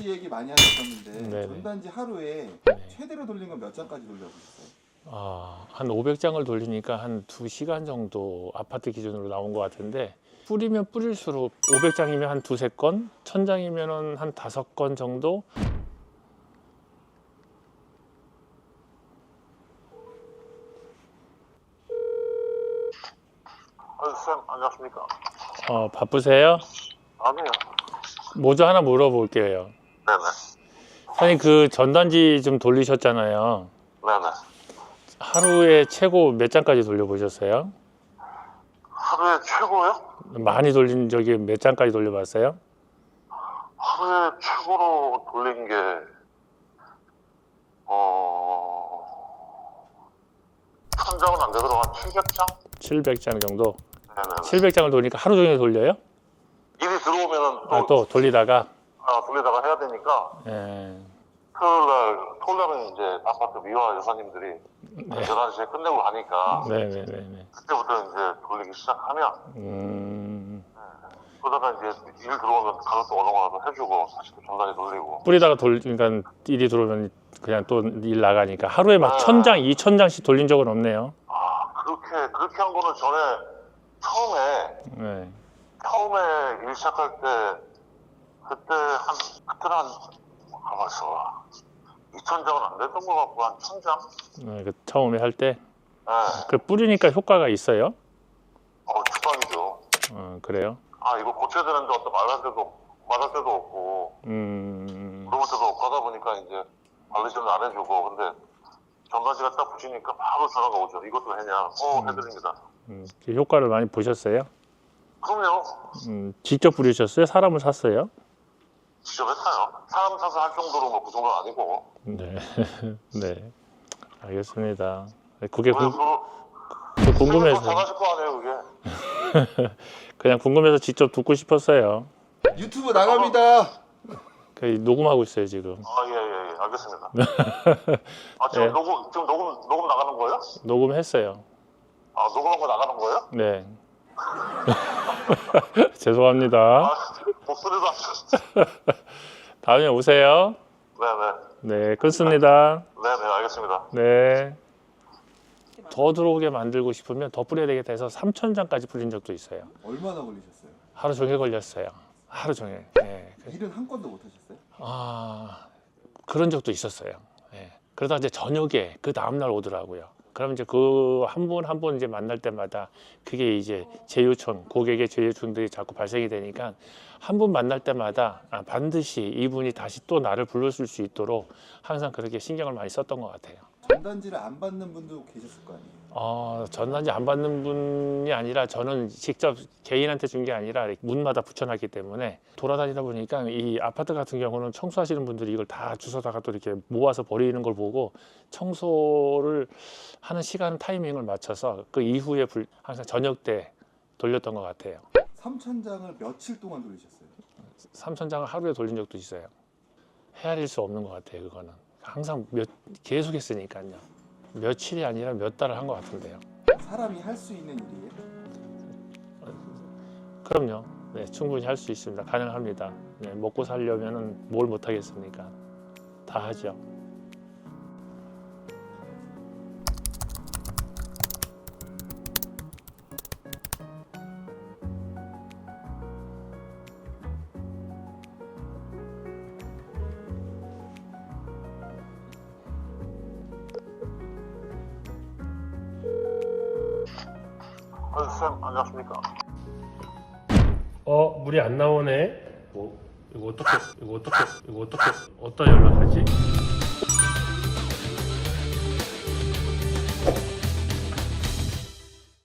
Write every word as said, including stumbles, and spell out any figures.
전단지 얘기 많이 하셨었는데 네네. 전단지 하루에 네. 최대로 돌린 건 몇 장까지 돌려보셨어요? 아, 한 오백 장을 돌리니까 한 두 시간 정도 아파트 기준으로 나온 것 같은데 뿌리면 뿌릴수록 오백 장이면 한 두세 건, 천 장이면 한 다섯 건 정도. 아, 쌤, 안녕하십니까? 어, 바쁘세요? 아니요. 모두 하나 물어볼게요. 네네. 선생님, 그 전단지 좀 돌리셨잖아요. 네네. 하루에 최고 몇 장까지 돌려보셨어요? 하루에 최고요? 많이 돌린 적이 몇 장까지 돌려봤어요? 하루에 최고로 돌린 게, 어, 천 장은 안 되더라도 한 칠백 장? 칠백 장 정도? 네네. 칠백 장을 돌리니까 하루 종일 돌려요? 일이 들어오면은 또, 아, 또 돌리다가? 아, 돌리다가 해야 되니까, 예. 토요일 날, 토요일 날은 이제 아파트 미화 여사님들이 열한 시에 끝내고 가니까, 네네네네. 그때부터 이제 돌리기 시작하면, 음, 그러다가 이제 일 들어오면 가격도 어느 거라도 해주고, 다시 또 전단지 돌리고. 뿌리다가 돌리니까 일이 들어오면 그냥 또 일 나가니까 하루에 막 아. 천 장, 이천 장씩 돌린 적은 없네요. 아, 그렇게, 그렇게 한 거는 전에, 처음에, 네. 처음에 일 시작할 때 그때 한 그때는 한 가만있어 이천 장은 안 됐던 것 같고 한 천 장? 네, 그 처음에 할 때. 네. 그 뿌리니까 효과가 있어요? 어, 주방이죠. 어, 그래요? 아, 이거 고쳐야 되는데 어떤 말할 때도 말할 때도 없고 음, 물어볼 때도 없고 하다 보니까 이제 관리자는 안 해주고 근데 전단지가 딱 붙이니까 바로 전화가 오죠. 이것도 했냐? 어, 해드립니다. 음, 그 효과를 많이 보셨어요? 그럼요. 음, 직접 뿌리셨어요? 사람을 샀어요? 직접 했어요. 사람 사서 할 정도로 뭐 그 정도는 아니고. 네. 네. 알겠습니다. 그게 왜 궁, 그거 그 궁금해서. 잘하실 거 아니에요, 그게. 그냥 궁금해서 직접 듣고 싶었어요. 유튜브 나갑니다. 그 녹음하고 있어요, 지금. 아, 예, 예, 예. 알겠습니다. 아, 지금 네. 녹음, 지금 녹음, 녹음 나가는 거예요? 녹음했어요. 아, 녹음한 거 나가는 거예요? 네. 죄송합니다. 아, 목소리도 안 들었어. 다음에 오세요. 네네. 네, 끊습니다. 네네, 알겠습니다. 네. 더 들어오게 만들고 싶으면 더 뿌려야 되겠다 해서 삼천 장까지 뿌린 적도 있어요. 얼마나 걸리셨어요? 하루 종일 걸렸어요. 하루 종일. 네. 일은 한 건도 못 하셨어요? 아, 그런 적도 있었어요. 예. 그러다 이제 저녁에 그 다음날 오더라고요. 그럼 이제 그 한 분 한 분 이제 만날 때마다 그게 이제 재요청, 고객의 재요청들이 자꾸 발생이 되니까 한 분 만날 때마다 아, 반드시 이분이 다시 또 나를 불러줄 수 있도록 항상 그렇게 신경을 많이 썼던 것 같아요. 전단지를 안 받는 분도 계셨을 거 아니에요? 어, 전단지 안 받는 분이 아니라 저는 직접 개인한테 준 게 아니라 문마다 붙여놨기 때문에 돌아다니다 보니까 이 아파트 같은 경우는 청소하시는 분들이 이걸 다 주워다가 또 이렇게 모아서 버리는 걸 보고 청소를 하는 시간 타이밍을 맞춰서 그 이후에 불- 항상 저녁 때 돌렸던 것 같아요. 삼천 장을 며칠 동안 돌리셨어요? 삼천 장을 하루에 돌린 적도 있어요. 헤아릴 수 없는 것 같아요. 그거는 항상 몇, 계속 했으니까요. 며칠이 아니라 몇 달을 한 것 같은데요. 사람이 할 수 있는 일이에요? 그럼요. 네, 충분히 할 수 있습니다. 가능합니다. 네, 먹고 살려면은 뭘 못 하겠습니까? 다 하죠. 아, 쌤, 안녕하십니까? 어, 물이 안 나오네. 뭐, 이거 어떻게, 이거 어떻게, 이거 어떻게, 어디다 연락하지?